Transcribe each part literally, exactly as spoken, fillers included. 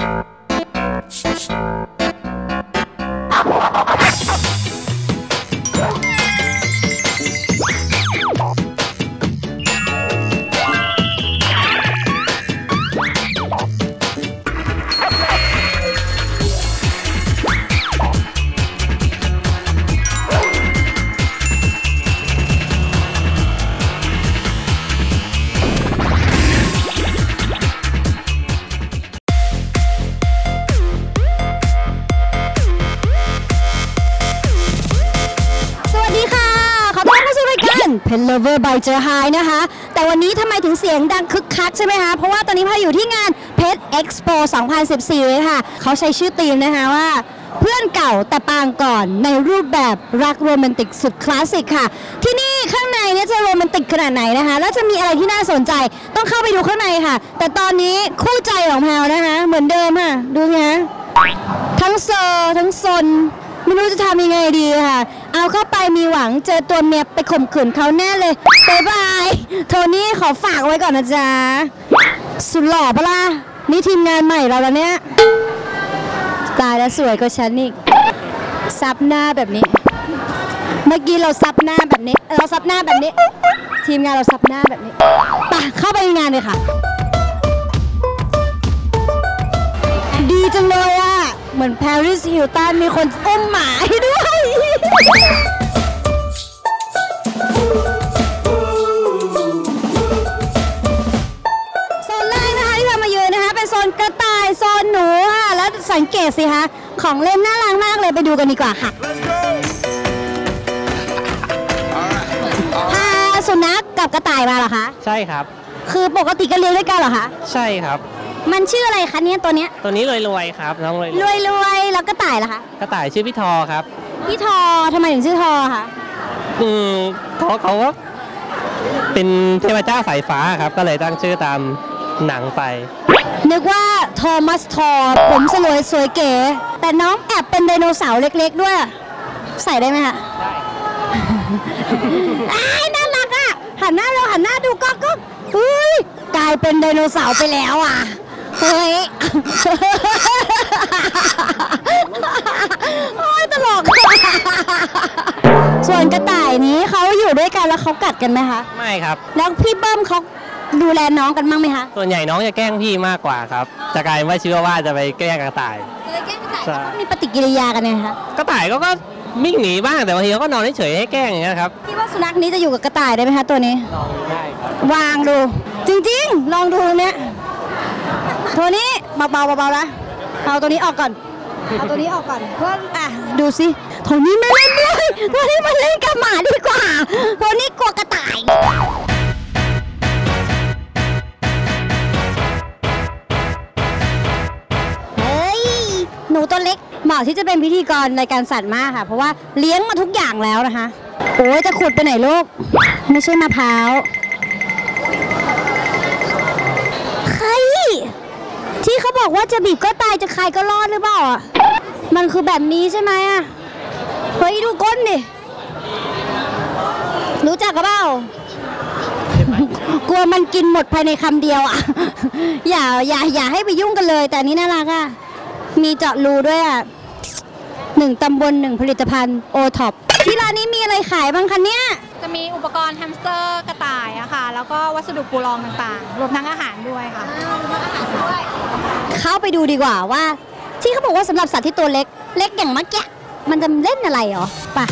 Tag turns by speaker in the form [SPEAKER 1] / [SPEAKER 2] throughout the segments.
[SPEAKER 1] Pet Lover by เจอ Hi นะคะแต่วันนี้ทำไมถึงเสียงดังคึกคักใช่ไหมคะเพราะว่าตอนนี้พาอยู่ที่งาน Pet Expo สองพันสิบสี่ค่ะเขาใช้ชื่อธีมนะคะว่าเพื่อนเก่าแต่ปางก่อนในรูปแบบรักโรแมนติกสุดคลาสสิกค่ะที่นี่ข้างในเนี่ยจะโรแมนติกขนาดไหนนะคะแล้วจะมีอะไรที่น่าสนใจต้องเข้าไปดูข้างในค่ะแต่ตอนนี้คู่ใจของแพลนะคะเหมือนเดิมค่ะดูนะทั้งเซอร์ทั้งซนไม่รู้จะทำยังไงดีค่ะเอาเข้าไปมีหวังเจอตัวเมียไปข่มขืนเขาแน่เลยบ๊ายบายโทนี่ขอฝากไว้ก่อนนะจ๊ะสุดหล่อปะล่ะนี่ทีมงานใหม่เราแล้วเนี่ยตายแล้วสวยกว่าฉันอีกซับหน้าแบบนี้เมื่อกี้เราซับหน้าแบบนี้เราซับหน้าแบบนี้ทีมงานเราซับหน้าแบบนี้ไปเข้าไปในงานเลยค่ะดีจังเลยอะเหมือนปารีสฮิลตันมีคนอุ้มหมาให้ด้วยโซนแรกนะคะที่เรามายืนนะคะเป็นโซนกระต่ายโซนหนูค่ะแล้วสังเกตสิคะของเล่นน่ารักมากเลยไปดูกันดีกว่าค่ะพาสุนัขกับกระต่ายมาเหรอคะ
[SPEAKER 2] ใช่ครับ
[SPEAKER 1] คือปกติก็เลี้ยงด้วยกันเหรอคะ
[SPEAKER 2] ใช่ครับ
[SPEAKER 1] มันชื่ออะไรคะเนี่ยตัวเนี้ย
[SPEAKER 2] ตัวนี้รวยๆครับน้องรวย
[SPEAKER 1] รวยรวยแล้วกระต่ายล่ะคะ
[SPEAKER 2] กระต่ายชื่อพี่ทอครับ
[SPEAKER 1] พี่ทอทำไมถึงชื่อทอคะ
[SPEAKER 2] อืมเขาเขาเป็นเทพเจ้าสายฟ้าครับก็เลยตั้งชื่อตามหนังไป
[SPEAKER 1] นึกว่าโทมัสทอผมสลวยสวยเก๋แต่น้องแอบเป็นไดโนเสาร์เล็กๆด้วยใส่ได้ไหมคะได้อ้น่ารักอ่ะหันหน้าเราหันหน้าดูก็ก็อุ้ยกลายเป็นไดโนเสาร์ไปแล้วอ่ะเฮ้ยโอ้ยตลกส่วนกระต่ายนี้เขาอยู่ด้วยกันแล้วเขากัดกันไหมคะ
[SPEAKER 2] ไม่ครับ
[SPEAKER 1] แล้วพี่เบิ้มเขาดูแลน้องกันบ้างไหมคะ
[SPEAKER 2] ส่วนใหญ่น้องจะแกล้งพี่มากกว่าครับจะกลายว่าเชื่อว่าจะไปแกล้งกระต่าย
[SPEAKER 1] แกล้งกระต่ายเขามีปฏิกิริยากันไงคะ
[SPEAKER 2] กระต่ายก็ก็วิ่งหนีบ้างแต่บางทีเขาก็นอนเฉยๆให้แกล้งอย่างเงี้ยครับ
[SPEAKER 1] พี่ว่าสุนัขนี้จะอยู่กับกระต่ายได้ไหมคะตัวนี้
[SPEAKER 2] ลองได้ครับ
[SPEAKER 1] วางดูจริงๆลองดูเนี้ยตัวนี้เบาๆเบาๆนะเอาตัวนี้ออกก่อนเอาตัวนี้ออกก่อนเพื่ออ่ะดูสิตัวนี้ไม่เล่นด้วยตัวนี้มาเล่นกับหมาดีกว่าตัวนี้กลัวกระต่ายเฮ้ยหนูตัวเล็กเหมาะที่จะเป็นพิธีกรรายการสัตว์มากค่ะเพราะว่าเลี้ยงมาทุกอย่างแล้วนะคะโอ้ยจะขุดไปไหนลูกไม่ใช่มะพร้าวใครที่เขาบอกว่าจะบีบก็ตายจะคายก็รอดหรือเปล่าอ่ะมันคือแบบนี้ใช่ไหมอ่ะเฮ้ยดูก้นดิรู้จักกับเปล่ากลัวมันกินหมดภายในคำเดียวอ่ะอย่าอย่าอย่าให้ไปยุ่งกันเลยแต่นี้น่ารักอ่ะมีเจาะรูด้วยอ่ะหนึ่งตำบลหนึ่งผลิตภัณฑ์โอท็อปที่ร้านนี้มีอะไรขายบ้างคะเนี่ย
[SPEAKER 3] จะมีอุปกรณ์แฮมสเตอร์กระต่ายอะค่ะแล้วก็วัสดุปูรองต่างๆรวมทั้งอาหารด้วยค่ะ
[SPEAKER 1] เข้าไปดูดีกว่าว่าที่เขาบอกว่าสำหรับสัตว์ที่ตัวเล็กเล็กอย่างเมื่อกี้มันจะเล่นอะไรหรอป่ะ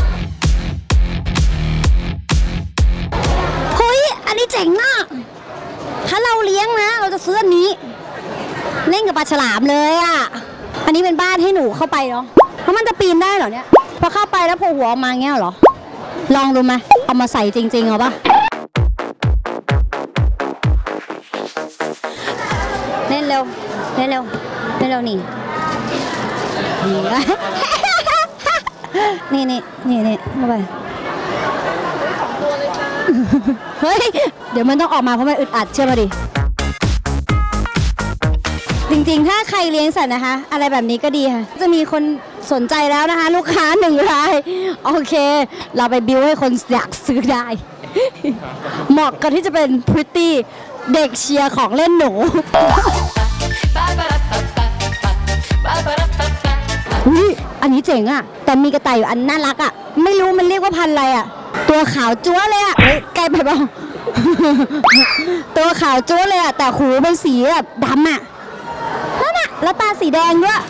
[SPEAKER 1] เฮ้ยอันนี้เจ๋งมากถ้าเราเลี้ยงนะเราจะซื้ออันนี้เล่นกับปลาฉลามเลยอ่ะอันนี้เป็นบ้านให้หนูเข้าไปเนาะเพราะมันจะปีนได้เหรอเนี่ยพอเข้าไปแล้วโผล่หัวออกมาเงี้ยเหรอลองดูไหมเอามาใส่จริงๆเอาปะเล่นเร็วเล่นเร็วเล่นเร็วนี่นี่นี่นี่นี่เข้าไปเฮ้ยเดี๋ยวมันต้องออกมาเพราะมันอึดอัดเชื่อมาดิจริงๆถ้าใครเลี้ยงสัตว์นะคะอะไรแบบนี้ก็ดีค่ะจะมีคนสนใจแล้วนะคะลูกค้าหนึ่งรายโอเคเราไปบิวให้คนอยากซื้อได้เหมาะกับที่จะเป็นพริตตี้เด็กเชียร์ของเล่นหนูนนี้เจ๋งอะแต่มีกระต่ายอยู่อันน่ารักอะไม่รู้มันเรียกว่าพันธุ์อะไรอะตัวขาวจั๊วเลยอะเฮ้ยไกลไปเปล่า ตัวขาวจั๊วเลยอะแต่หูเป็นสีแบบดำอะนั่นอะแล้วตาสีแดงด้วย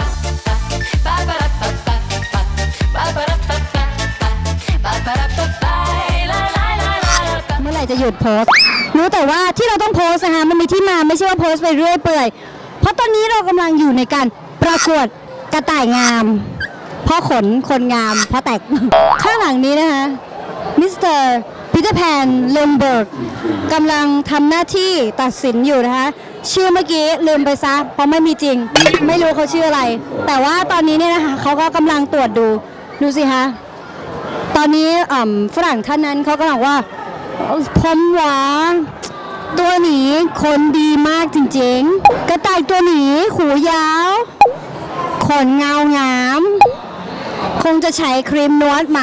[SPEAKER 1] เมื่อไหร่จะหยุดโพสต์รู้แต่ว่าที่เราต้องโพสต์นะคะมันมีที่มาไม่ใช่ว่าโพสต์ไปเรื่อยเปื่อยเพราะตอนนี้เรากำลังอยู่ในการประกวดกระต่ายงามเพราะขนคนงามเพราะแตก ข้างหลังนี้นะคะมิสเตอร์ปีเตอร์แพนเลนเบิร์กกำลังทำหน้าที่ตัดสินอยู่นะคะชื่อเมื่อกี้ลืมไปซะเพราะไม่มีจริงไม่รู้เขาชื่ออะไรแต่ว่าตอนนี้เนี่ยนะคะเขาก็กำลังตรวจดูดูสิคะตอนนี้ฝรั่งท่านนั้นเขากำลังว่าผมว่าตัวนี้คนดีมากจริงๆกระต่ายตัวนี้หูยาวขนเงางามคงจะใช้ครีมนวดหมา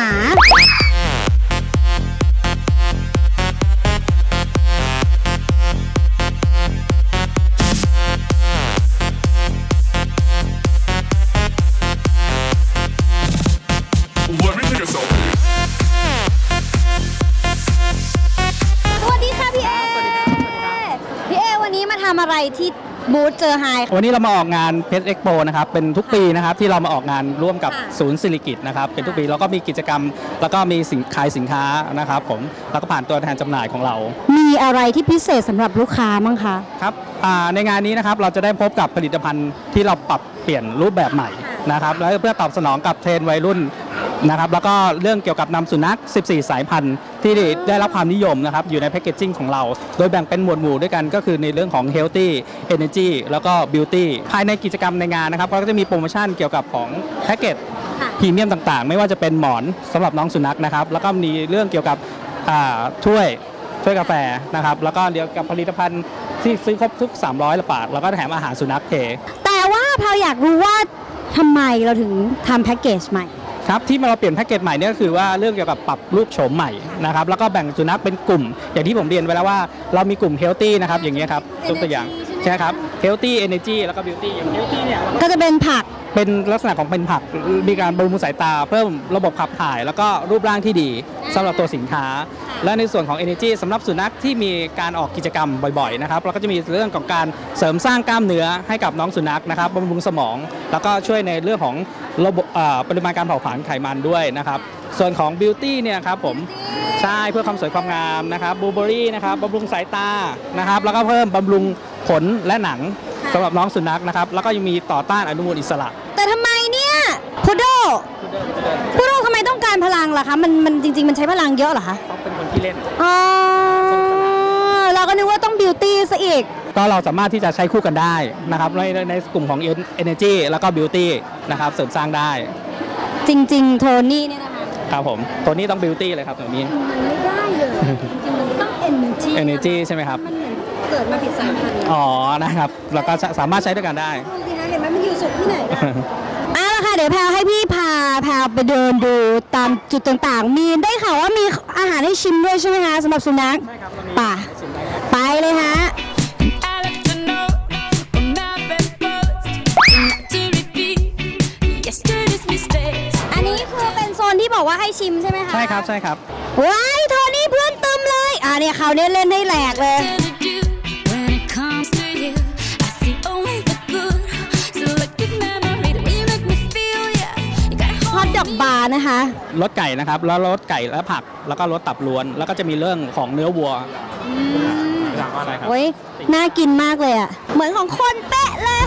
[SPEAKER 1] ทำอะไรที่บูธเจอไฮ
[SPEAKER 4] วันนี้เรามาออกงานเพชรเอ็กโปนะครับเป็นทุกปีนะครับที่เรามาออกงานร่วมกับศูนย์สิริกิติ์นะครับเป็นทุกปีแล้วก็มีกิจกรรมแล้วก็มีสินขายสินค้านะครับผมแล้วก็ผ่านตัวแทนจำหน่ายของเรา
[SPEAKER 1] มีอะไรที่พิเศษสำหรับลูกค้ามั้งคะ
[SPEAKER 4] ครับในงานนี้นะครับเราจะได้พบกับผลิตภัณฑ์ที่เราปรับเปลี่ยนรูปแบบใหม่นะครับแล้วเพื่อตอบสนองกับเทรนด์วัยรุ่นนะครับแล้วก็เรื่องเกี่ยวกับนำสุนัขสิบสี่สายพันธุ์ที่ได้รับความนิยมนะครับอยู่ในแพคเกจจิ้งของเราโดยแบ่งเป็นหมวดหมู่ด้วยกันก็คือในเรื่องของ Healthy Energy แล้วก็ Beauty ภายในกิจกรรมในงานนะครับก็จะมีโปรโมชั่นเกี่ยวกับของแพ็กเกจพรีเมียมต่างๆไม่ว่าจะเป็นหมอนสำหรับน้องสุนัขนะครับแล้วก็มีเรื่องเกี่ยวกับถ้วยถ้วยกาแฟนะครับแล้วก็เกี่ยวกับผลิตภัณฑ์ที่ซื้อครบทุกสามร้อยบาทแล้วก็แถมอาหารสุนัขเท
[SPEAKER 1] แต่ว่าพาวอยากรู้ว่าทำไมเราถึงทำแพ็กเกจใหม่
[SPEAKER 4] ครับที่เราเปลี่ยนแพ็กเกจใหม่เนี่ยก็คือว่าเรื่องเกี่ยวกับปรับรูปโฉมใหม่นะครับแล้วก็แบ่งสุนัขเป็นกลุ่มอย่างที่ผมเรียนไว้แล้วว่าเรามีกลุ่ม Healthy นะครับอย่างเงี้ยครับตัวอย่างใช่ครับ Healthy Energy แล้วก็ Beauty อย่าง Healthy เนี่ย
[SPEAKER 1] ก็จะเป็นผัก
[SPEAKER 4] เป็นลักษณะของเป็นผักมีการบำรุงสายตาเพิ่มระบบขับถ่ายแล้วก็รูปร่างที่ดีสำหรับตัวสินค้าและในส่วนของ Energy สำหรับสุนัขที่มีการออกกิจกรรมบ่อยๆนะครับเราก็จะมีเรื่องของการเสริมสร้างกล้ามเนื้อให้กับน้องสุนัขนะครับบำรุงสมองแล้วก็ช่วยในเรื่องของระบบปริมาณการเผาผลาญไขมันด้วยนะครับส่วนของ Beauty เนี่ยครับผมใช่เพื่อความสวยความงามนะครับบลูเบอรี่นะครับบำรุงสายตานะครับแล้วก็เพิ่มบำรุงขนและหนังสำหรับน้องสุนัขนะครับแล้วก็ยังมีต่อต้านอนุมูลอิสระ
[SPEAKER 1] แต่ทำไมเนี่ยพุดโดพุดโดทำไมต้องการพลังล่ะคะมันมันจริงๆมันใช้พลังเยอะเหรอคะ
[SPEAKER 4] เขาเป็นคนที่เล่น
[SPEAKER 1] อ๋อเราก็นึกว่าต้องบิวตี้ซะอีก
[SPEAKER 4] ก็เราสามารถที่จะใช้คู่กันได้นะครับในในกลุ่มของ Energy แล้วก็ Beauty นะครับเสริมสร้างได้
[SPEAKER 1] จริงๆโทนี่เนี่ยนะคะ
[SPEAKER 4] ครับผมโทนี่ต้อง Beauty เลยครับตรงนี้
[SPEAKER 1] มันไม่ได้เลยจริงๆมันต้อง Energy
[SPEAKER 4] Energy ใช่ไหมครับ
[SPEAKER 1] มันเหมือนเกิดมาผิดสายพันธุ์
[SPEAKER 4] อ๋อนะครับเราก็สามารถใช้ด้วยกันได้
[SPEAKER 1] เห็นไหมมันอยู่สุดที่ไหนอ่ะค่ะเดี๋ยวแพรให้พี่พาพาไปเดินดูตามจุดต่างๆมีได้ข่าวว่ามีอาหารให้ชิมด้วยใช่ไหมคะสำหรับสุนัข
[SPEAKER 4] ใช่ครับ
[SPEAKER 1] ป่ะไปเลยฮะอันนี้คือเป็นโซนที่บอกว่าให้ชิมใช่ไหมคะ
[SPEAKER 4] ใช่ครับใช่ครับ
[SPEAKER 1] ว้ายโทนี่เพื่อนตึมเลยอ่ะเนี่ยเขาเนี่ยเล่นให้แหลกเลยฮอทดอกบาร์นะคะ
[SPEAKER 4] รสไก่นะครับแล้วรสไก่และผักแล้วก็รสตับล้วนแล้วก็จะมีเรื่องของเนื้อวัว
[SPEAKER 1] ใช่ครับโอ้ยน่ากินมากเลยอ่ะเหมือนของคนเป๊ะเลย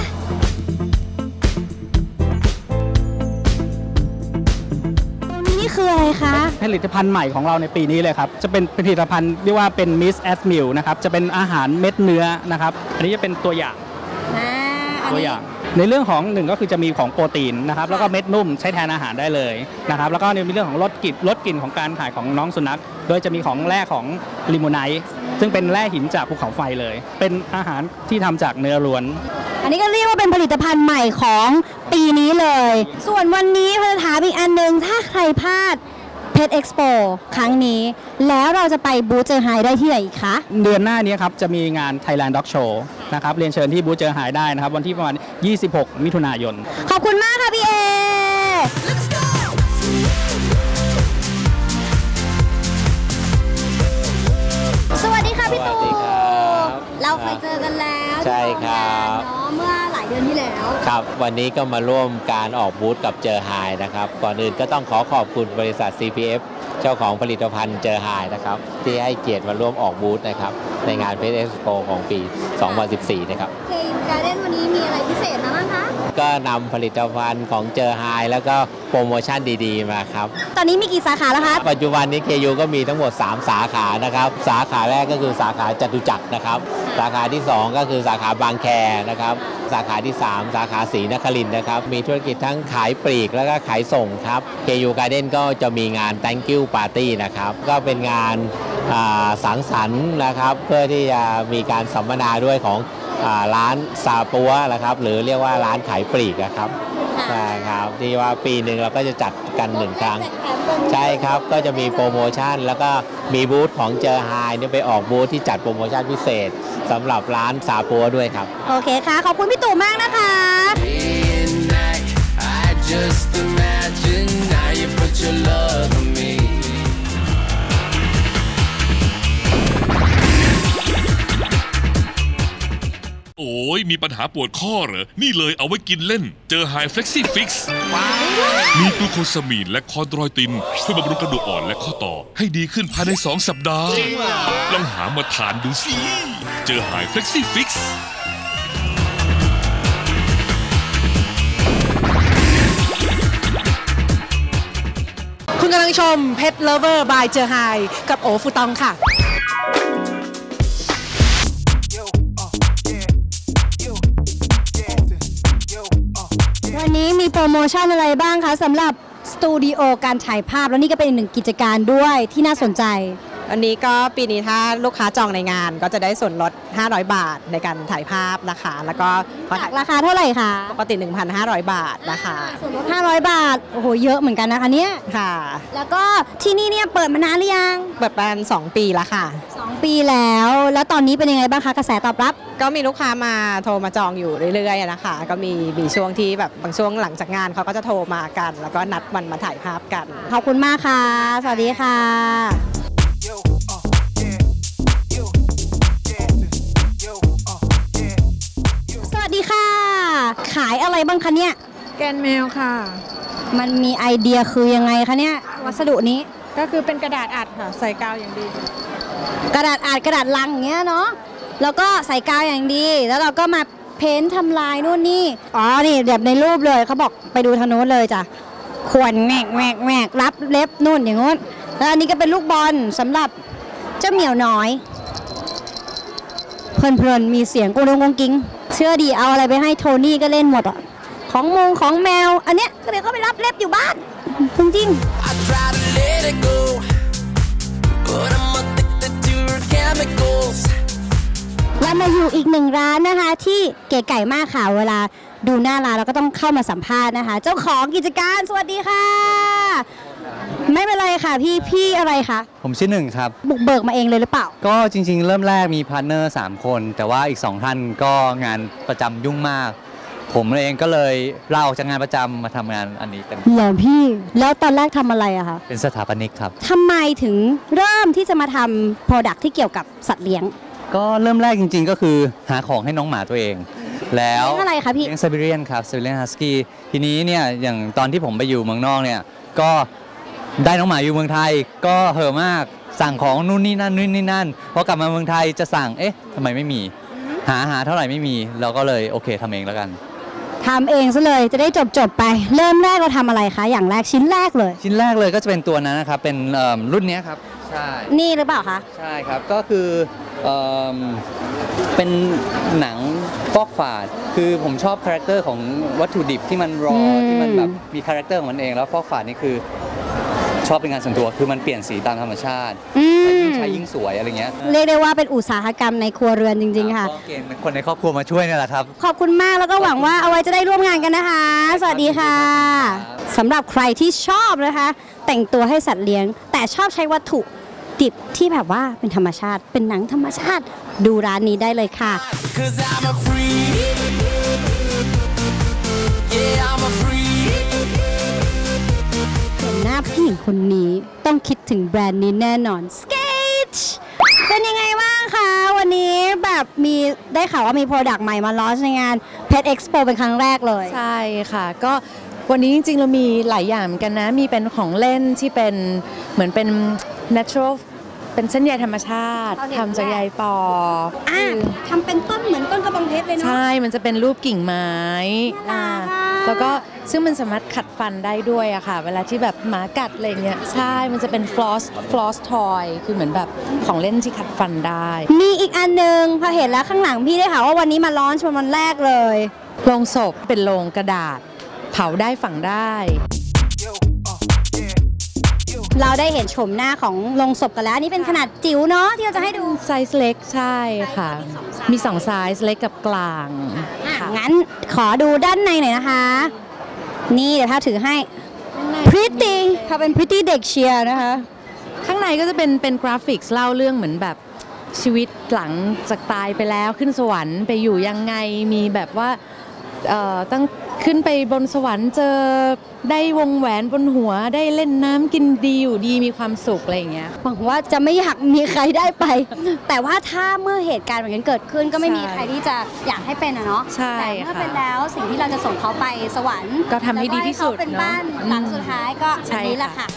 [SPEAKER 1] นี่คืออะไรคะ
[SPEAKER 4] ผลิตภัณฑ์ใหม่ของเราในปีนี้เลยครับจะเป็นผลิตภัณฑ์เรียกว่าเป็น Miss at Meal นะครับจะเป็นอาหารเม็ดเนื้อนะครับอันนี้จะเป็นตัวอย่างตัวอย่างในเรื่องของหนึ่งก็คือจะมีของโปรตีนนะครับแล้วก็เม็ดนุ่มใช้แทนอาหารได้เลยนะครับแล้วก็มีเรื่องของลดกลิ่นลดกลิ่นของการถ่ายของน้องสุนัขโดยจะมีของแร่ของลิโมไนท์ซึ่งเป็นแร่หินจากภูเขาไฟเลยเป็นอาหารที่ทำจากเนื้อล้วน
[SPEAKER 1] อันนี้ก็เรียกว่าเป็นผลิตภัณฑ์ใหม่ของปีนี้เลยส่วนวันนี้เราจะถามอีกอันนึงถ้าใครพลาดเพชรเอ็กซ์โปครั้งนี้แล้วเราจะไปบูธเจอไฮได้ที่ไหนอีกคะ
[SPEAKER 4] เดือนหน้านี้ครับจะมีงาน Thailand Dog Show นะครับเรียนเชิญที่บูธเจอไฮได้นะครับวันที่ประมาณยี่สิบหกมิถุนายน
[SPEAKER 1] ขอบคุณมากค่ะพี่เอสวัสดีค่ะพี่ตู่
[SPEAKER 5] สวัสดีครับ
[SPEAKER 1] เราเคยเจอกันแล้ว
[SPEAKER 5] ใช่ครับ
[SPEAKER 1] เนาะเมื่อหลายเดือนที่แล้ว
[SPEAKER 5] ครับวันนี้ก็มาร่วมการออกบูธกับเจอไฮนะครับก่อนอื่นก็ต้องขอขอบคุณบริษัท ซี พี เอฟ เจ้าของผลิตภัณฑ์เจอไฮนะครับที่ให้เกียรติมาร่วมออกบูธนะครับในงาน เพชร เอ็กซ์โป ของปี สองพันสิบสี่ นะครับ
[SPEAKER 1] เคยูการ์เด้นวันนี้มีอะไรพิเศษมาบ้างคะ
[SPEAKER 5] ก็นำผลิตภัณฑ์ของเจอไฮแล้วก็โปรโมชั่นดีๆมาครับ
[SPEAKER 1] ตอนนี้มีกี่สาขาแล้วคะ
[SPEAKER 5] ปัจจุบันนี้ เค ยู ก็มีทั้งหมด สาม สาขานะครับสาขาแรกก็คือสาขาจตุจักรนะครับสาขาที่สองก็คือสาขาบางแคนะครับสาขาที่สามสาขาศรีนครินทร์นะครับมีธุรกิจทั้งขายปลีกแล้วก็ขายส่งครับ เค ยู Garden ก็จะมีงาน Thank you Party นะครับก็เป็นงานอ่าสังสรรค์นะครับเพื่อที่จะมีการสัมมนาด้วยของอ่าร้านซาปัวนะครับหรือเรียกว่าร้านขายปลีกนะครับใช่ครับที่ว่าปีหนึ่งเราก็จะจัดกันหนึ่งครั้งใช่ครับก็จะมีโปรโมชั่นแล้วก็มีบูธของเจอไฮเนี่ยไปออกบูธที่จัดโปรโมชั่นพิเศษสำหรับร้านซาปัวด้วยครับ
[SPEAKER 1] โอเคค่ะ ขอบคุณพี่ตู่มากนะคะ
[SPEAKER 6] Just imagine now you put your love on me.
[SPEAKER 7] โอ้ยมีปัญหาปวดข้อเหรอ นี่เลยเอาไว้กินเล่น เจอไฮเฟล็กซี่ฟิกซ์มีกลูโคซามีนและคอนโดรอยตินช่วยบำรุงกระดูกอ่อนและข้อต่อให้ดีขึ้นภายในสองสัปดาห์ลองหามาทานดูสิ เจอไฮเฟล็กซี่ฟิกซ์
[SPEAKER 8] คุณกำลังชมเพชรเลเวอร์บายเจอไฮกับโอฟูตองค่ะ
[SPEAKER 1] วันนี้มีโปรโมชั่นอะไรบ้างคะสำหรับสตูดิโอการถ่ายภาพแล้วนี่ก็เป็นอีกหนึ่งกิจการด้วยที่น่าสนใจ
[SPEAKER 9] วันนี้ก็ปีนี้ถ้าลูกค้าจองในงานก็จะได้ส่วนลดห้าร้อยบาทในการถ่ายภาพนะคะแล้วก็
[SPEAKER 1] จากราคาเท่าไหร่คะ
[SPEAKER 9] ปกติ หนึ่งพันห้าร้อย บาทนะคะ
[SPEAKER 1] ส่วนลดห้าร้อยบาทโอ้โหเยอะเหมือนกันนะคะเนี่ย
[SPEAKER 9] ค่ะ
[SPEAKER 1] แล้วก็ที่นี่เนี่ยเปิดมานานหรือยัง
[SPEAKER 9] เปิดประมาณสองปีแล้วค่ะ
[SPEAKER 1] สองปีแล้วแล้วตอนนี้เป็นยังไงบ้างคะกระแสตอบรับ
[SPEAKER 9] ก็มีลูกค้ามาโทรมาจองอยู่เรื่อยๆนะคะก็มีมีช่วงที่แบบบางช่วงหลังจากงานเขาก็จะโทรมากัน แล้วก็นัดวันมาถ่ายภาพกัน
[SPEAKER 1] ขอบคุณมากค่ะ สวัสดีค่ะ สวัสดีค่ะ ขายอะไรบ้างคะเนี่ย
[SPEAKER 3] แกนแมวค่ะ
[SPEAKER 1] มันมีไอเดียคือยังไงคะเนี่ยวัสดุนี้
[SPEAKER 3] ก็คือเป็นกระดาษอัดค่ะ ใส่กาวอย่างดี
[SPEAKER 1] กระดาษอัดกระดาษลังอย่างเงี้ยเนาะแล้วก็ใส่กาวอย่างดี แล้วเราก็มาเพ้นท์ทำลายนู่นนี่อ๋อนี่แบบในรูปเลยเขาบอกไปดูทางโน้นเลยจ้ะขวนแหวกแหวกแหวกรับเล็บนู่นอย่างงู้นแล้วอันนี้ก็เป็นลูกบอลสำหรับเจ้าเหมียวน้อยเพลินๆมีเสียงกุ้งกุ้งกุ้งกิ้งเชื่อดีเอาอะไรไปให้โทนี่ก็เล่นหมดอ่ะของมงของแมวอันเนี้ยก็เดี๋ยวก็ไปรับเล็บอยู่บ้านจริงๆ
[SPEAKER 6] I try to let it go, but I'm addicted to your chemicals.
[SPEAKER 1] เรามาอยู่อีกหนึ่งร้านนะคะที่เก๋ไก่มากค่ะเวลาดูหน้าร้านเราก็ต้องเข้ามาสัมภาษณ์นะคะ เจ้าของกิจการสวัสดีค่ะ ไม่เป็นไรค่ะพี่พี่อะไรคะ
[SPEAKER 10] ผมชื่อหนึ่งครับ
[SPEAKER 1] บุกเบิกมาเองเลยหรือเปล่า
[SPEAKER 10] ก็จริงๆ เริ่มแรกมีพาร์ทเนอร์สามคน แต่ว่าอีกสองท่านก็งานประจำยุ่งมาก ผมเองก็เลยลาออกจากงานประจำมาทำงานอันนี้เต็ม
[SPEAKER 1] เหรอพี่แล้วตอนแรกทำอะไรอะคะ
[SPEAKER 10] เป็นสถาปนิกครับ
[SPEAKER 1] ทำไมถึงเริ่มที่จะมาทำโปรดักที่เกี่ยวกับสัตว์เลี้ยง
[SPEAKER 10] ก็เริ่มแรกจริงๆ ก็คือหาของให้น้องหมาตัวเอง แล้ว
[SPEAKER 1] เลี้ยงอะไรคะพี่
[SPEAKER 10] เลี้ยงไซบีเรียนครับไซบีเรียนฮัสกี้ทีนี้เนี่ยอย่างตอนที่ผมไปอยู่เมืองนอกเนี่ยก็ได้น้องหมาอยู่เมืองไทยก็เห่อะมากสั่งของนู่นนี่นั่นนู่นนี่นั่นพอกลับมาเมืองไทยจะสั่งเอ๊ะทำไมไม่มีหาหาเท่าไหร่ไม่มีเราก็เลยโอเคทำเองแล้วกัน
[SPEAKER 1] ทำเองซะเลยจะได้จบจบไป เริ่มแรกเราทำอะไรคะอย่างแรกชิ้นแรกเลย
[SPEAKER 10] ชิ้นแรกเลยก็จะเป็นตัวนั้นนะครับเป็นเอิ่มรุ่นนี้ครับใช่
[SPEAKER 1] นี่หรือเปล่าคะ
[SPEAKER 10] ใช่ครับก็คือเอิ่มเป็นหนังฟอกฝาดคือผมชอบคาแรคเตอร์ของวัตถุดิบที่มันรอที่มันแบบมีคาแรคเตอร์ของมันเองแล้วฟอกฝาดนี่คือชอบเป็นงานส่วนตัวคือมันเปลี่ยนสีตามธรรมชาติ
[SPEAKER 1] อืม
[SPEAKER 10] ยิ่งใช้ยิ่งสวยอะไรเงี้ย
[SPEAKER 1] เรียกได้ว่าเป็นอุตสาหกรรมในครัวเรือนจริงๆค่ะ
[SPEAKER 10] ก็เกณฑ์คนในครอบครัวมาช่วยนี่แหละครับ
[SPEAKER 1] ขอบคุณมากแล้วก็หวังว่าเอาไว้จะได้ร่วมงานกันนะคะ สวัสดีค่ะสำหรับใครที่ชอบนะคะ แต่งตัวให้สัตว์เลี้ยง แต่ชอบใช้วัตถุดิบที่แบบว่าเป็นธรรมชาติ เป็นหนังธรรมชาติ ดูร้านนี้ได้เลยค่ะ
[SPEAKER 6] 'Cause I'm a freak. Yeah, I'm a freak.
[SPEAKER 1] คนนี้ต้องคิดถึงแบรนด์นี้แน่นอน Sketch เป็นยังไงบ้างคะวันนี้แบบมีได้ข่าวว่ามีโปรดักต์ใหม่มาลอนช์ในงาน Pet Expo เป็นครั้งแรกเลย
[SPEAKER 11] ใช่ค่ะก็วันนี้จริงๆเรามีหลายอย่างเหมือนกันนะมีเป็นของเล่นที่เป็นเหมือนเป็น natural เป็นเส้นใยธรรมชาติทำจากใยปอ
[SPEAKER 1] อ่าทำเป็นต้นเหมือนต้นกระบองเพชรเลยเนาะ
[SPEAKER 11] ใช่มันจะเป็นรูปกิ่งไม้อ่าแล้วก็ซึ่งมันสามารถขัดฟันได้ด้วยอะค่ะเวลาที่แบบหมากัดอะไรเงี้ยใช่มันจะเป็น floss floss toy คือเหมือนแบบของเล่นที่ขัดฟันได้
[SPEAKER 1] มีอีกอันนึงพอเห็นแล้วข้างหลังพี่ได้ข่าวว่าวันนี้มาลอนช์วันแรกเลย
[SPEAKER 11] โลงศพเป็นโลงกระดาษเผาได้ฝังได้
[SPEAKER 1] เราได้เห็นโฉมหน้าของโลงศพกันแล้วอันนี้เป็นขนาดจิ๋วเนาะที่เราจะให้ดู
[SPEAKER 11] ไซส์เล็กใช่ค่ะมีสองไซส์เล็กกับกลาง
[SPEAKER 1] งั้นขอดูด้านในหน่อยนะคะนี่เดี๋ยวถ้าถือให้ pretty เขาเป็น pretty เด็กเชียร์นะคะ
[SPEAKER 11] ข้างในก็จะเป็นเป็นกราฟิกเล่าเรื่องเหมือนแบบชีวิตหลังจากตายไปแล้วขึ้นสวรรค์ไปอยู่ยังไงมีแบบว่าตั้งขึ้นไปบนสวรรค์เจอได้วงแหวนบนหัวได้เล่นน้ำกินดีอยู่ดีมีความสุขอะไรอย่างเงี้ย
[SPEAKER 1] หวังว่าจะไม่อยากมีใครได้ไป แต่ว่าถ้าเมื่อเหตุการณ์แบบนี้เกิดขึ้นก็ไม่มีใครที่จะอยากให้เป็นอะเนาะแต่เมื่อเป็นแล้วสิ่งที่เราจะส่งเขาไปสวรรค์
[SPEAKER 11] ก็ทำให้ดีที่สุด
[SPEAKER 1] เป็นบ้านหลังสุดท้ายก็อันนี้แหละค่ะ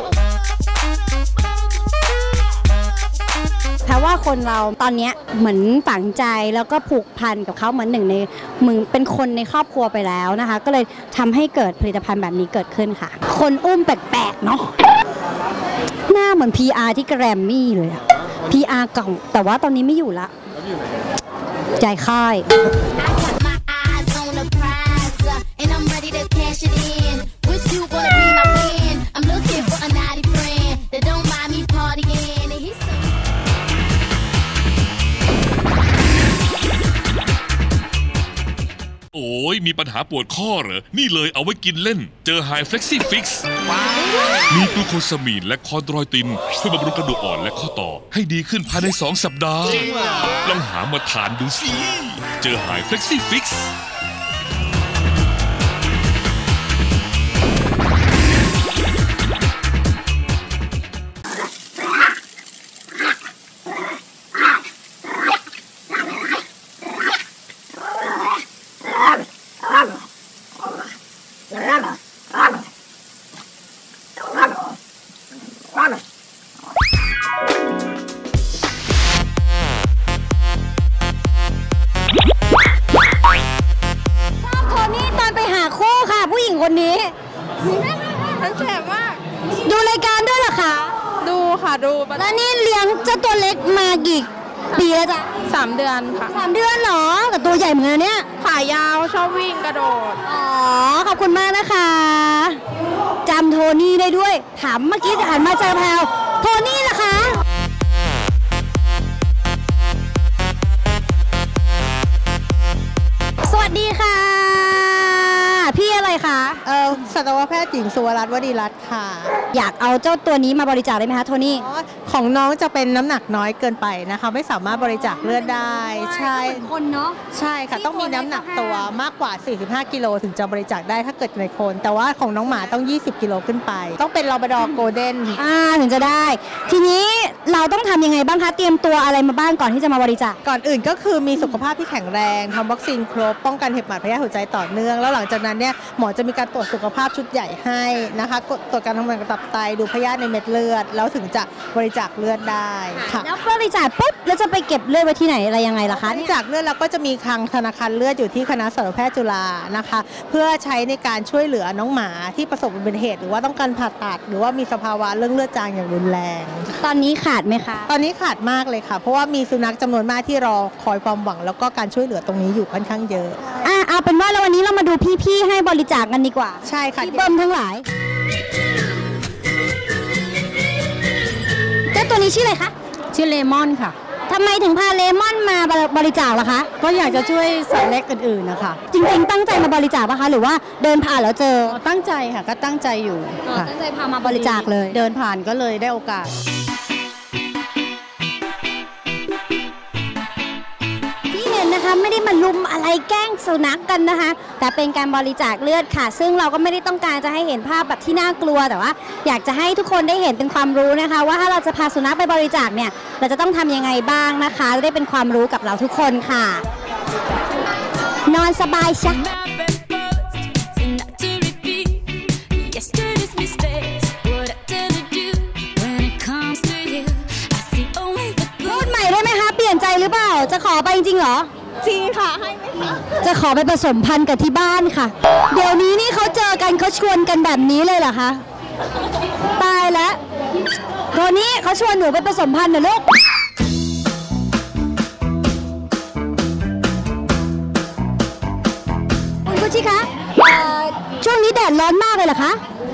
[SPEAKER 1] แปลว่าคนเราตอนนี้เหมือนฝังใจแล้วก็ผูกพันกับเขาเหมือนหนึ่งในมึงเป็นคนในครอบครัวไปแล้วนะคะก็เลยทำให้เกิดผลิตภัณฑ์แบบนี้เกิดขึ้นค่ะคนอุ้มแปลกๆเนาะหน้าเหมือน พี อาร์ ที่แกรมมี่เลย พี อาร์ เก่าแต่ว่าตอนนี้ไม่อยู่ละใจค่าย
[SPEAKER 7] โอ้ยมีปัญหาปวดข้อเหรอนี่เลยเอาไว้กินเล่นเจอ High Flexi Fix มีกลูโคซามีนและคอนโดรอยตินช่วยบำรุงกระดูกอ่อนและข้อต่อให้ดีขึ้นภายในสองสัปดาห์ลองหามาทานดูสิเจอ High Flexi Fix
[SPEAKER 1] คนนี้
[SPEAKER 12] มันแสบมาก
[SPEAKER 1] ดูรายการด้วยเหรอคะ
[SPEAKER 12] ดูค่ะดู
[SPEAKER 1] แล้วนี่เลี้ยงเจ้าตัวเล็กมากี่ปีแล้วจ๊ะ
[SPEAKER 12] สามเดือนค่ะ
[SPEAKER 1] สามเดือนเหรอแต่ตัวใหญ่เหมือนกันเนี่ย
[SPEAKER 12] ขายาวชอบวิ่งกระโดด
[SPEAKER 1] อ๋อขอบคุณมากนะคะจำโทนี่ได้ด้วยถามเมื่อกี้หันมาเจอแพลวโทนี่ล่ะคะสวัสดีค่ะพี่อะไรคะ
[SPEAKER 13] เออสัตวแพทย์หญิงสุวรัตน์วดีรัตน์ค่ะ
[SPEAKER 1] อยากเอาเจ้าตัวนี้มาบริจาคได้ไหมคะโทนี่
[SPEAKER 13] ของน้องจะเป็นน้ำหนักน้อยเกินไปนะคะไม่สามารถบริจาคเลือดได้ใช่
[SPEAKER 1] คนเนาะ
[SPEAKER 13] ใช่ค่ะต้องมีน้ำหนักตัวมากกว่าสี่สิบห้ากิโลถึงจะบริจาคได้ถ้าเกิดในคนแต่ว่าของน้องหมาต้องยี่สิบกิโลขึ้นไปต้องเป็นลาบราดอร์โกลเด้น
[SPEAKER 1] อ่าถึงจะได้ทีนี้เราต้องทำยังไงบ้างคะเตรียมตัวอะไรมาบ้างก่อนที่จะมาบริจาค
[SPEAKER 13] ก่อนอื่นก็คือมีสุขภาพที่แข็งแรงทำวัคซีนครบป้องกันเห็บหมัดพยาธิหัวใจต่อเนื่องแล้วหลังจากนั้นเนี่ยหมอจะมีการตรวจสุขภาพชุดใหญ่ให้นะคะตรวจการทำงานของตับไตดูพยาธิในเม็ดเลือดแล้วถึงจะบริจาคเลือดได้
[SPEAKER 1] ค่ะแล้วบริจาคปุ๊บแล้วจะไปเก็บเลือดไว้ที่ไหนอะไรยังไงล่ะคะ
[SPEAKER 13] บริจาคเลือดเราก็จะมีคลังธนาคารเลือดอยู่ที่คณะสัตวแพทย์จุฬานะคะเพื่อใช้ในการช่วยเหลือน้องหมาที่ประสบอุบัติเหตุหรือว่าต้องการผ่าตัดหรือว่ามีสภาวะเรื่องเลือดจางอย่างรุนแรง
[SPEAKER 1] ตอนนี้ขาดไหมคะ
[SPEAKER 13] ตอนนี้ขาดมากเลยค่ะเพราะว่ามีสุนัขจำนวนมากที่รอคอยความหวังแล้วก็การช่วยเหลือตรงนี้อยู่ค่อนข้างเยอะ
[SPEAKER 1] อ่ะเอาเป็นว่าแล้ววันนี้เรามาดูพี่ๆให้บริจาคกันดีกว่า
[SPEAKER 13] ใช่ค่ะ
[SPEAKER 1] พี่เบิ้มทั้งหลายเจ้าตัวนี้ชื่ออะไรคะ
[SPEAKER 14] ชื่อเลมอนค่ะ
[SPEAKER 1] ทำไมถึงพาเลมอนมาบริจาคล่ะคะ
[SPEAKER 14] ก็อยากจะช่วยสัตว์เล็กอื่นๆนะคะ
[SPEAKER 1] จริงๆตั้งใจมาบริจาคป่ะคะหรือว่าเดินผ่านแล้วเจอ
[SPEAKER 14] ตั้งใจค่ะก็ตั้งใจอยู่
[SPEAKER 1] ตั้งใจพามาบริจาคเลย
[SPEAKER 14] เดินผ่านก็เลยได้โอกาส
[SPEAKER 1] ที่เห็นนะคะนะคะไม่ได้มาลุมอะไรแกล้งสุนัขกันนะคะแต่เป็นการบริจาคเลือดค่ะซึ่งเราก็ไม่ได้ต้องการจะให้เห็นภาพแบบที่น่ากลัวแต่ว่าอยากจะให้ทุกคนได้เห็นเป็นความรู้นะคะว่าถ้าเราจะพาสุนัขไปบริจาคเนี่ยเราจะต้องทำยังไงบ้างนะคะจะได้เป็นความรู้กับเราทุกคนค่ะนอนสบายจ้ะพูดใหม่ได้ไหมคะเปลี่ยนใจหรือเปล่าจะขอไปจริงๆเหรอจริงค่ะให้ไหมคะจะขอไปผสมพันธุ์กับที่บ้านค่ะเดี๋ยวนี้นี่เขาเจอกันเขาชวนกันแบบนี้เลยเหรอคะตายแล้วโทนี่เขาชวนหนูไปผสมพันธุ์เหรอลูกคุณกุชิคะช่วงนี้แดดร้อนมากเลยเหรอคะ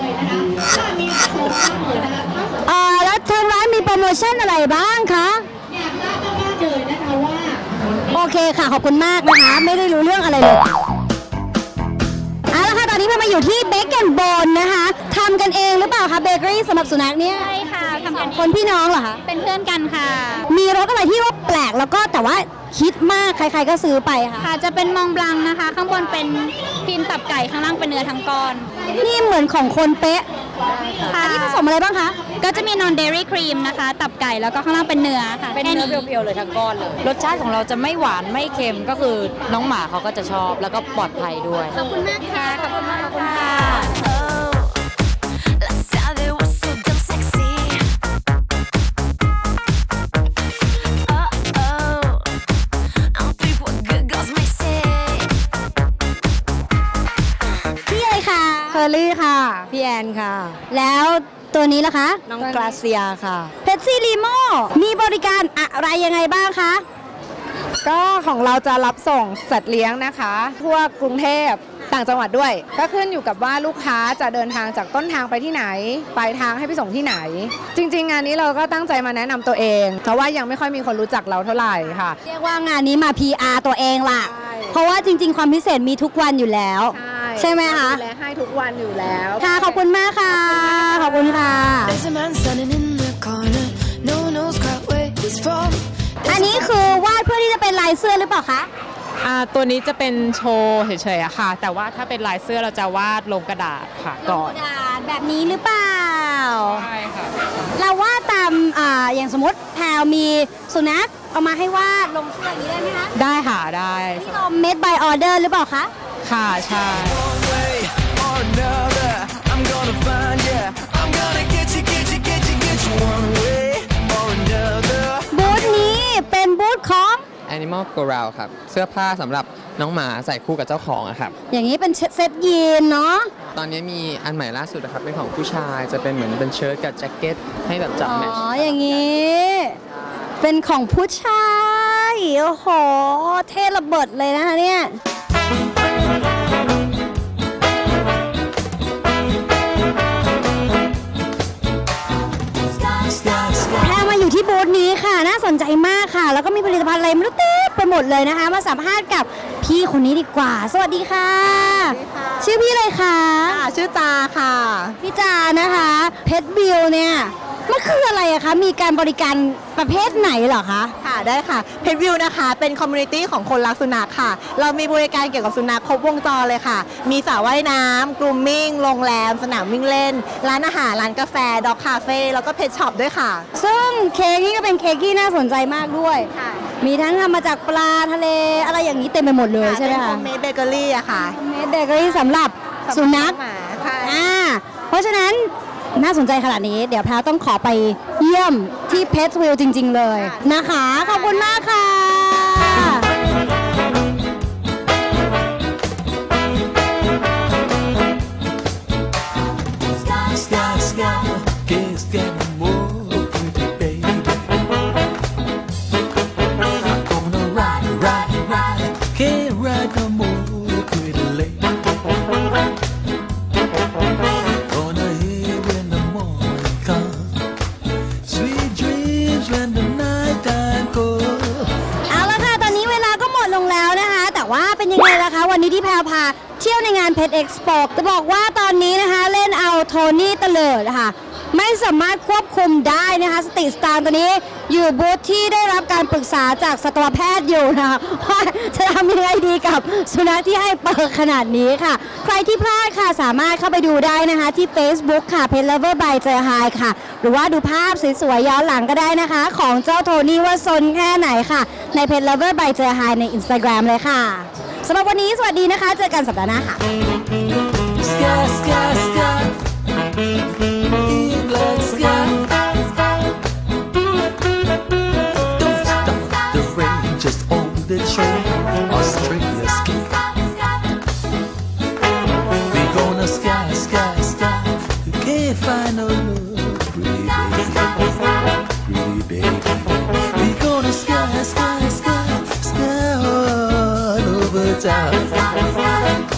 [SPEAKER 1] เอ่อแล้วทางร้านมีโปรโมชั่นอะไรบ้างคะโอเคค่ะขอบคุณมากนะคะไม่ได้รู้เรื่องอะไรเลยเอาละค่ะตอนนี้เรามาอยู่ที่เบเกนโบนนะคะทำกันเองหรือเปล่าคะเบเกอรี่สำหรับสุนัขเนี่ย
[SPEAKER 3] ใช่ค่ะทำกัน
[SPEAKER 1] คนพี่น้องเหรอคะ
[SPEAKER 3] เป็นเพื่อนกันค่ะ
[SPEAKER 1] มีรสอะไรที่ว่าแปลกแล้วก็แต่ว่าฮิตมากใครๆก็ซื้อไปค่ะ
[SPEAKER 3] ค่ะจะเป็นมองบลังนะคะข้างบนเป็นพิมพ์ตับไก่ข้างล่างเป็นเนื้อทั้งก้อน
[SPEAKER 1] นี่เหมือนของคนเป๊ะค่ะที่ผสมอะไรบ้างคะ
[SPEAKER 3] ก็จะมีนอนเดรี่ครีมนะคะตับไก่แล้วก็ข้างล่างเป็นเนื้อค่ะ
[SPEAKER 11] เป็นเนื้อเพียวๆเลยทั้งก้อนเลยรสชาติของเราจะไม่หวานไม่เค็มก็คือน้องหมาเขาก็จะชอบแล้วก็ปลอดภัยด้วย
[SPEAKER 3] ขอบคุณมากค่ะขอบคุณมากค่ะ
[SPEAKER 9] เคอรี่ค่ะพี่แอนค่ะ
[SPEAKER 1] แล้วตัวนี้ล่ะคะ
[SPEAKER 9] น้องกราเซียค่ะ
[SPEAKER 1] เพปซี่ลีโม่มีบริการอะไรยังไงบ้างคะ
[SPEAKER 9] ก็ของเราจะรับส่งสัตว์เลี้ยงนะคะทั่วกรุงเทพต่างจังหวัดด้วยก็ขึ้นอยู่กับว่าลูกค้าจะเดินทางจากต้นทางไปที่ไหนปลายทางให้ไปส่งที่ไหนจริงๆงานนี้เราก็ตั้งใจมาแนะนำตัวเองเพราะว่ายังไม่ค่อยมีคนรู้จักเราเท่าไหร่ค่ะ
[SPEAKER 1] เรียกว่างานนี้มา พี อาร์ ตัวเองล่ะเพราะว่าจริงๆความพิเศษมีทุกวันอยู่แล้วใช่ไหมคะ
[SPEAKER 9] และให้ทุกวันอยู่แล้ว
[SPEAKER 1] ค่ะขอบคุณมากค่ะขอบคุณค่ะอันนี้คือวาดเพื่อที่จะเป็นลายเสื้อหรือเปล่าคะ
[SPEAKER 15] อ่าตัวนี้จะเป็นโชว์เฉยๆอะค่ะแต่ว่าถ้าเป็นลายเสื้อเราจะวาดลงกระดาษค่ะก่อน
[SPEAKER 1] กระดาษแบบนี้หรือเปล่า
[SPEAKER 15] ใช่ค่ะ
[SPEAKER 1] เราวาดตามอ่าอย่างสมมติแพลวมีสุนัขเอามาให้วาดลงเสื้ออย่างนี้ได้ไหมคะ
[SPEAKER 15] ได้ค่ะได้
[SPEAKER 1] นี่เรา made by order หรือเปล่าคะ
[SPEAKER 15] ค่ะใช่
[SPEAKER 1] บูธนี้เป็นบูธของ
[SPEAKER 16] Animal Corral ครับเสื้อผ้าสำหรับน้องหมาใส่คู่กับเจ้าของอะครับ
[SPEAKER 1] อย่างนี้เป็นเซ็ตยีนเนาะ
[SPEAKER 16] ตอนนี้มีอันใหม่ล่าสุดนะครับเป็นของผู้ชายจะเป็นเหมือนเป็นเชิ้ตกับแจ็คเก็ตให้แบบจับแมทช์
[SPEAKER 1] อ๋ออย่างนี้เป็นของผู้ชายโอ้โหเท่ระเบิดเลยนะคะเนี่ยแพรมาอยู่ที่บูธนี้ค่ะน่าสนใจมากค่ะแล้วก็มีผลิตภัณฑ์อะไรไม่รู้เต็มไปหมดเลยนะคะมาสัมภาษณ์กับพี่คนนี้ดีกว่าสวัสดีค่ะชื่อพี่เลยค่ะ
[SPEAKER 9] ชื่อจาค่ะ
[SPEAKER 1] พี่จานะคะเพชรบิวเนี่ยมันคืออะไรอะคะมีการบริการประเภทไหนเหรอคะ
[SPEAKER 9] ค่ะได้ค่ะเพจวิวนะคะเป็นคอมมูนิตี้ของคนรักสุนัขค่ะเรามีบริการเกี่ยวกับสุนัขครบวงจรเลยค่ะมีสระว่ายน้ำกรูมมิ่งโรงแรมสนามวิ่งเล่นร้านอาหารร้านกาแฟด็อกคาเฟ่แล้วก็เพจช็อปด้วยค่ะ
[SPEAKER 1] ซึ่งเค้กนี่ก็เป็นเค้กที่น่าสนใจมากด้วยมีทั้งทำมาจากปลาทะเลอะไรอย่างนี้เต็มไปหมดเลยใช่ไหมคะ
[SPEAKER 9] เป็นโฮมเมดเบเกอรี่อะค่ะ
[SPEAKER 1] โฮมเมดเบเกอรี่สำหรับสุนัขอ่าเพราะฉะนั้นน่าสนใจขนาดนี้เดี๋ยวแพรต้องขอไปเยี่ยมที่เพชรวิวจริงๆเลยนะคะขอบคุณมากค่ะวันนี้ที่แพรพาเที่ยวในงานเพชรเอ็กซ์โปจะบอกว่าตอนนี้นะคะเล่นเอาโทนี่เตลิดค่ะไม่สามารถควบคุมได้นะคะสติสตางค์ตัวนี้อยู่บูธที่ได้รับการปรึกษาจากสัตวแพทย์อยู่นะคะว่าจะทำยังไงดีกับสุนัขที่ให้เปิดขนาดนี้ค่ะใครที่พลาดค่ะสามารถเข้าไปดูได้นะคะที่ Facebook ค่ะ Pet Lover by เจอไฮค่ะหรือว่าดูภาพสวยๆย้อนหลังก็ได้นะคะของเจ้าโทนี่ว่าซนแค่ไหนค่ะใน Pet Lover by เจอไฮใน Instagram เลยค่ะสำหรับวันนี้สวัสดีนะคะเจอกันสัปดาห์หน้าค่ะ
[SPEAKER 6] Sky, sky, sky. England sky. Don't stop the rain, just on the train. Australia ski. We gonna sky, sky, sky. You can't find no love, pretty baby, pretty baby. We gonna sky, sky, sky, sky all over town.